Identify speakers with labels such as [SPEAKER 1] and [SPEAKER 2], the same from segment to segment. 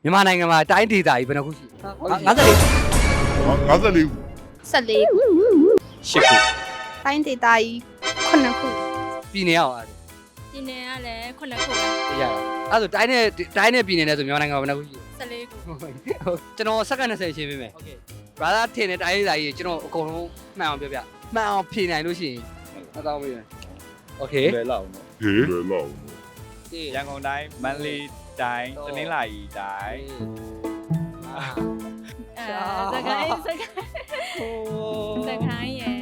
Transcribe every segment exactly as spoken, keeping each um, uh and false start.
[SPEAKER 1] မြန်မာနိုင်ငံမှာတိုင်းဒေသကြီးဘယ်နှခုရှိလဲ54
[SPEAKER 2] 54
[SPEAKER 3] ဆယ်လေးခု
[SPEAKER 1] ရှစ်ခု
[SPEAKER 3] တိုင်းဒေသကြီးခုနှစ်ခု
[SPEAKER 1] ပြည်နယ်အောင်အဲ့ဒါ
[SPEAKER 4] ပြည်နယ်ကလည်းခုနှစ်ခုပဲ
[SPEAKER 1] သိရတာအဲ့ဆိုတိုင်းနဲ့တိုင်းနဲ့ပြည်နယ်နဲ့ဆိုမြန်မာနိုင်ငံမှာဘယ်နှခုရှိလဲ
[SPEAKER 4] ဆယ်လေးခု
[SPEAKER 1] ဟုတ်ကျွန်တော်စက္ကန့်20ရှင်းပေးမယ် okay brother ထင်တဲ့တိုင်းဒေသကြီးကျွန်တော်အကုန်လုံးမှန်အောင်ပြောပြမှန်အောင်ဖြေနိုင်လို့ရှိရင်အကောင်းပြီ okay
[SPEAKER 5] လွယ်လောက်နော်
[SPEAKER 2] ဟေးလွယ်လောက်
[SPEAKER 5] ရန်ကုန်တိုင်းမန္တလေးတိုင်းတနင်္လာရီတိုင်း
[SPEAKER 4] အဲစကိုင်းစကိုင်းစကိုင်းရယ်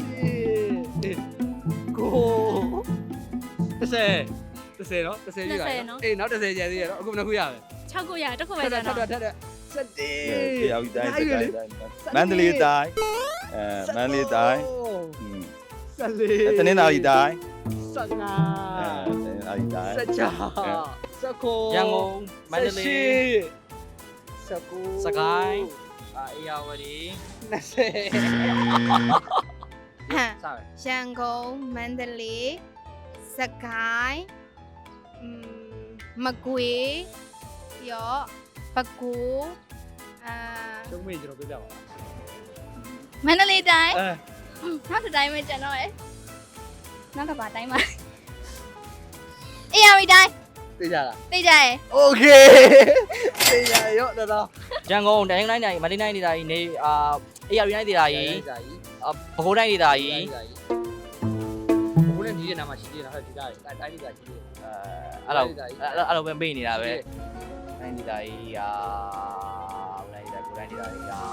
[SPEAKER 1] ကိုတစ်ဆယ်တစ်ဆယ်နော်တစ်ဆယ်ပြည့်ပါအေးနောက်တစ်ဆယ်ကျန်သေးရနော်အခုဘယ်နှခုရလဲ
[SPEAKER 4] ၆ခုရတစ်ခုပဲ
[SPEAKER 1] ထ
[SPEAKER 4] ကျ
[SPEAKER 1] ပ်
[SPEAKER 4] န်
[SPEAKER 1] ထပ်
[SPEAKER 4] တော့
[SPEAKER 1] ထပ်ထပ်စက်တီ
[SPEAKER 5] တရားဥတိုင်းစကိုင်းတိုင်းမန္တလေးတိုင်းအဲမန္တလေးတိုင်း
[SPEAKER 1] စက်လေး
[SPEAKER 5] တနင်္လာရီတိုင်း
[SPEAKER 1] စက်ငါ
[SPEAKER 5] အဲတနင်္လာရီတိုင်း
[SPEAKER 1] စက်ချာစက်ကို
[SPEAKER 6] ရန်ကုန်မန္တလေး
[SPEAKER 1] စက်ကို
[SPEAKER 6] စကိုင်းအာအေယာဝတီ
[SPEAKER 1] နှစ်ဆယ်
[SPEAKER 3] ဟမ်
[SPEAKER 1] စမယ်
[SPEAKER 3] ရန်ကုန်မန္တလေးစကိုင်းอืมမကွေးပြီးတော့ပဲခူးအာ
[SPEAKER 1] ကျုံးမေးကျွန်တော်ပြောပြပါ
[SPEAKER 3] မန္တလေးတိုင်း
[SPEAKER 1] အဲ
[SPEAKER 3] နောက်တစ်တိုင်းပဲကျန်တော့ရယ်နောက်တစ်ပါတိုင်းမှာအေးရပြီတိုင်း
[SPEAKER 1] သိကြလား
[SPEAKER 3] သိကြရယ်
[SPEAKER 1] Okay သိကြရောတော်တော်
[SPEAKER 6] ရန်ကုန်တိုင်းတိုင်းတိုင်းမန္တလေးတိုင်းဒေသကြီးနေအာအေယာဝတီတိုင်းဒေသကြီး
[SPEAKER 1] ဒါကြီး
[SPEAKER 6] အာပဲခူးတိုင်းဒေသကြီး
[SPEAKER 1] ဘိုးနဲ့ညီရဲ့နာမှာရှိသေးတယ်ဟုတ်ဒီသားတိုင်းတိုင်းဒေသရှိသေးတယ်
[SPEAKER 6] အဲအဲ့လိုအဲ့လိုပဲပေးနေတာပဲတိုင်းဒေသကြီးအာတိုင်းဒေသကိုတိုင်းဒေသကြီးအာ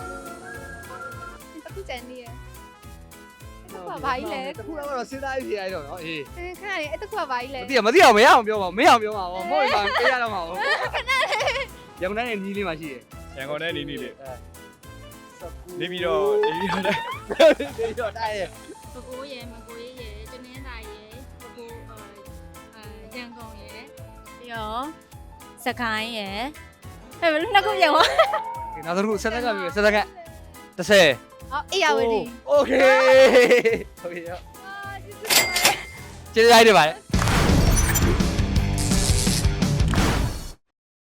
[SPEAKER 3] အခုကျန်နေရယ်အဲ့ဒါဘာကြီးလဲ
[SPEAKER 1] တခုတော့တော့စဉ်းစားကြည့်ရတော့နော်အေး
[SPEAKER 3] အဲခဏလေးအဲ့တခုကဘာကြီးလဲ
[SPEAKER 1] မသိရမသိအောင်မရအောင်ပြောပါမရအောင်ပြောပါဘောမဟုတ်ရင်ပေးရတော့မှာဘောရန်ကုန်တိုင်းရဲ့ညီလေးမှာရှိတယ်
[SPEAKER 5] ရန်ကုန်တိုင်းနေနေလေ
[SPEAKER 1] စကူ
[SPEAKER 5] နေပြီးတော့နေပြီးတော့
[SPEAKER 1] နေပြီးတော့တိုင်းရဲ့
[SPEAKER 4] ပဲခူးရယ်မကွေးရယ်တနင်္သာရီရယ်ပဲခူးအဲရန်ကုန်ရယ်ပြီးတော့စကိုင်းရယ်အဲဘယ်လိုနှစ်ခုပြန်သွား
[SPEAKER 1] နောက်တစ်ခုဆက်သက်ကပြီဆက်သက်က30
[SPEAKER 3] ဟောအေးရဝတီ
[SPEAKER 1] Okay ဟုတ်ပြီရောကျေးဇူးတင်ပါတယ်